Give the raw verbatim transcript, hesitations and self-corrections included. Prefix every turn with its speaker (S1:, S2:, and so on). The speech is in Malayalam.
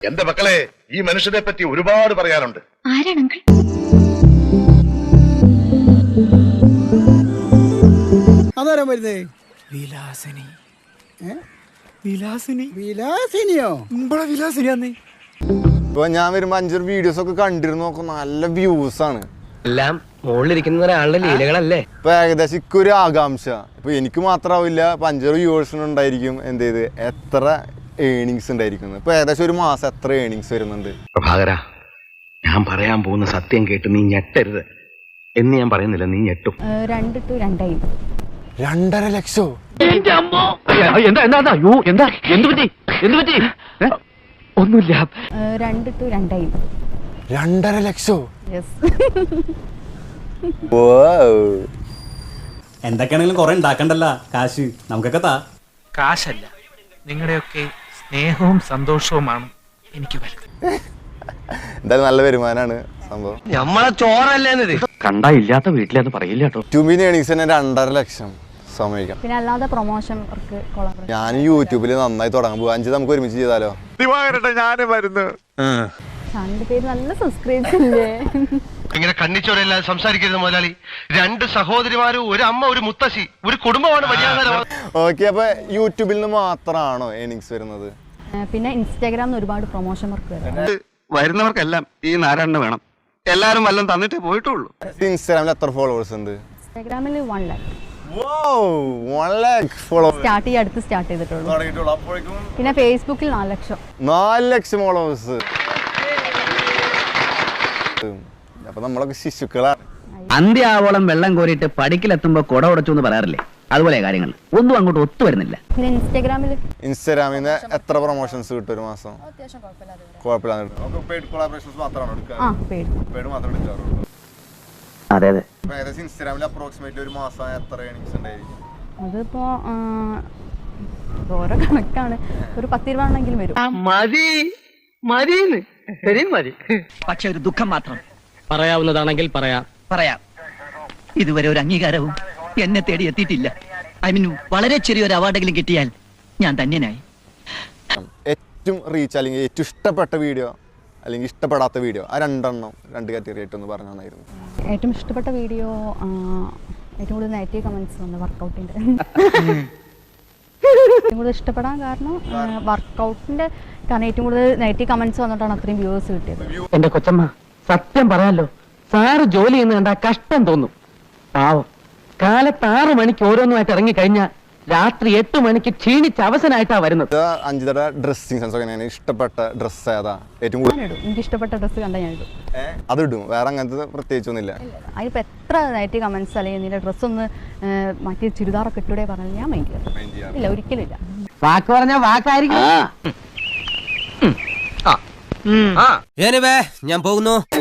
S1: എന്റെ മക്കളെ, ഈ മനുഷ്യനെ പറ്റി ഒരുപാട് പറയാനുണ്ട്.
S2: ആരാണ് അങ്കിൾ?
S3: അതാരാ വരുന്നേ?
S4: വിലാസിനി.
S3: വിലാസിനി വിലാസിനിയോ?
S4: ഇവിടെ വിലാസിനിയാന്നേ.
S5: ഇപ്പൊ ഞാൻ വരുമ്പോ അഞ്ചൊരു വീഡിയോസ് ഒക്കെ കണ്ടിരുന്നു നോക്കും, നല്ല വ്യൂസ് ആണ്.
S6: എല്ലാം മുകളിലിരിക്കുന്ന ഒരാളുടെ ലീലകളല്ലേ.
S5: ഇപ്പൊ ഏകദേശം ഇക്കൊരു ആകാംക്ഷ, ഇപ്പൊ എനിക്ക് മാത്രമാവില്ല, ഇപ്പൊ അഞ്ചൊരു വ്യൂവേഴ്സിന് ഉണ്ടായിരിക്കും എന്ത് ചെയ്ത് എത്ര ഏണിങ്സ് ഉണ്ടായിരിക്കുന്നത്. ഇപ്പൊ ഏകദേശം ഒരു മാസം എത്ര ഏണിങ്സ് വരുന്നുണ്ട്?
S1: പ്രഭാകര, ഞാൻ പറയാൻ പോകുന്ന സത്യം കേട്ട് നീ ഞെട്ടരുത് എന്ന് ഞാൻ പറയുന്നില്ല, നീ ഞെട്ടും.
S2: രണ്ട് ടു രണ്ടായി.
S5: രണ്ടര ലക്ഷോ?
S6: ഒന്നുമില്ല.
S2: രണ്ട് ടു രണ്ടായി.
S5: രണ്ടര ലക്ഷോ?
S7: എന്തൊക്കെയാണെങ്കിലും കുറെ ഉണ്ടാക്കണ്ടല്ല, കാശ് നമുക്കൊക്കെ താ.
S4: കാശല്ല, നിങ്ങളുടെയൊക്കെ സ്നേഹവും സന്തോഷവുമാണ് എനിക്ക് വലുത്.
S5: എന്തായാലും നല്ല വരുമാനാണ് സംഭവം.
S6: നമ്മളെ ചോറല്ലേ കണ്ടാ ഇല്ലാത്ത വീട്ടിലെന്ന് പറയില്ല കേട്ടോ.
S5: യൂട്യൂബിന് ഏണിങ്സ് തന്നെ രണ്ടര ലക്ഷം സമ്മതിക്കാം.
S2: പിന്നെ അല്ലാതെ പ്രൊമോഷൻ വർക്ക്, കൊളാബറേഷൻ.
S5: ഞാൻ യൂട്യൂബിൽ നന്നായി തുടങ്ങാൻ പോകും. അഞ്ച് നമുക്ക് ഒരുമിച്ച് ചെയ്താലോ?
S1: ഞാനും വരുന്നു.
S2: രണ്ട് പേര് നല്ല സബ്സ്ക്രൈബ് ഇല്ലേ?
S1: ഇങ്ങനെ കണ്ണിച്ചോരല്ലാതെ സംസാരിക്കരുത് മുതലാളി. രണ്ട് സഹോദരിമാരും, ഒരു അമ്മ, ഒരു മുത്തശ്ശി, ഒരു കുടുംബമാണ് മര്യാദ.
S5: ഓക്കെ, അപ്പൊ യൂട്യൂബിൽ നിന്ന് മാത്രമാണോ ഏണിങ്സ് വരുന്നത്?
S2: പിന്നെ ഇൻസ്റ്റാഗ്രാമിൽ ഒരുപാട് പ്രൊമോഷൻ വർക്ക് വരുന്നത്.
S8: വരുന്നവർക്കെല്ലാം ഈ നാരായണ വേണം. എല്ലാരും വല്ലതും തന്നിട്ടേ പോയിട്ടുള്ളൂ.
S5: ഇൻസ്റ്റാഗ്രാമിൽ എത്ര ഫോളോവേഴ്സ് ഉണ്ട്?
S2: ഇൻസ്റ്റാഗ്രാമിൽ വൺ ലാക്ക് സ്റ്റാർട്ട് ചെയ്ത് അടുത്ത് സ്റ്റാർട്ട് ചെയ്തിട്ടുള്ളൂ. പിന്നെ ഫേസ്ബുക്കിൽ നാല് ലക്ഷം.
S5: നാല് ലക്ഷം ഫോളോവേഴ്സ്. അപ്പൊ നമ്മളൊക്കെ ശിശുക്കളാണ്.
S6: അന്ത്യാവോളം വെള്ളം കോരിയിട്ട് പടിക്കിലെത്തുമ്പോ കുട ഉടച്ചു എന്ന് പറയാറില്ലേ, അതുപോലെ കാര്യങ്ങൾ ഒന്നും അങ്ങോട്ട് ഒത്തു വരുന്നില്ല.
S2: പിന്നെ ഇൻസ്റ്റാഗ്രാമിൽ
S5: ഇൻസ്റ്റാഗ്രാമിൽ നിന്ന് എത്ര പ്രൊമോഷൻസ് കിട്ടും ഒരു മാസം? കുഴപ്പമില്ലാതെ.
S6: അതെ അതെ.
S5: ഇൻസ്റ്റാഗ്രാമിൽ അപ്രോക്സിമേറ്റ്ലി ഒരു മാസം എത്ര ഏണിങ്സ് ഉണ്ടായിരിക്കും?
S2: അതിപ്പോ ഓരോ കണക്കാണ്. ഒരു പത്തിരുപതെണ്ണെങ്കിലും വരും.
S6: മതി മതിന്ന് ശരി മതി. പക്ഷെ ഒരു ദുഃഖം മാത്രം. പറയാവുന്നതാണെങ്കിൽ പറയാം പറയാം ഇതുവരെ ഒരു അംഗീകാരവും എന്നെ തേടി എത്തിയിട്ടില്ല. ഐ മീൻ വളരെ ചെറിയൊരു അവാർഡെങ്കിലും കിട്ടിയാൽ ഞാൻ ധന്യനായി.
S5: ഏറ്റവും റീച്ച് അല്ലെങ്കിൽ ഏറ്റവും ഇഷ്ടപ്പെട്ട വീഡിയോ അല്ലെങ്കിൽ ഇഷ്ടപ്പെടാത്ത വീഡിയോ, ആ രണ്ടെണ്ണം രണ്ട് കാറ്റഗറി ആയിട്ടൊന്ന് പറഞ്ഞു തന്നായിരുന്നു.
S2: ഏറ്റവും ഇഷ്ടപ്പെട്ട വീഡിയോ, ഏറ്റവും കൂടുതൽ നെഗറ്റീവ് കമന്റ്സ് വന്ന വർക്കൗട്ടിന്റെ. ഏറ്റവും കൂടുതൽ ഇഷ്ടപ്പെടാൻ കാരണം വർക്കൗട്ടിന്റെ, കാരണം ഏറ്റവും കൂടുതൽ നെഗറ്റീവ് കമന്റ്സ് വന്നിട്ടാണ് അത്രയും വ്യൂവേഴ്സ് കിട്ടിയത്.
S6: എന്റെ കൊച്ചമ്മ, സത്യം പറയാലോ, സാറ് ജോലി ചെയ്യുന്ന കണ്ടാ കഷ്ടം തോന്നും. പാവം, കാലത്ത് ആറ് മണിക്ക് ഓരോന്നുമായിട്ട് ഇറങ്ങി കഴിഞ്ഞാൽ രാത്രി എട്ട് മണിക്ക് ക്ഷീണിച്ച് അവസനായിട്ടാ വരുന്നത്.
S5: അഞ്ചിതയുടെ ഡ്രസ്സിങ് സെൻസ് ഒക്കെ ഇഷ്ടപ്പെട്ട ഡ്രസ്സ് ഏതാ ഏറ്റവും കൂടുതൽ?
S2: എനിക്ക് ഇഷ്ടപ്പെട്ട ഡ്രസ്സ് കണ്ടാൽ ഞാൻ ഇടും.
S5: അത് ഇടും, വേറെ അങ്ങനത്തെ പ്രത്യേകിച്ചൊന്നുമില്ല.
S2: അതിനിപ്പോ എത്ര നെഗറ്റീവ് കമന്റ്സ് അല്ലെങ്കിൽ നിന്റെ ഡ്രസ്സ് ഒന്ന് മറ്റേ ചുരിദാറൊക്കെ ഇട്ടൂടെ പറഞ്ഞാൽ ഞാൻ മൈൻഡ് ചെയ്യാം. ഇല്ല, ഒരിക്കലും ഇല്ല.
S6: വാക്ക് പറഞ്ഞ വാക്കായിരിക്കും.
S9: ഞാൻ പോകുന്നു.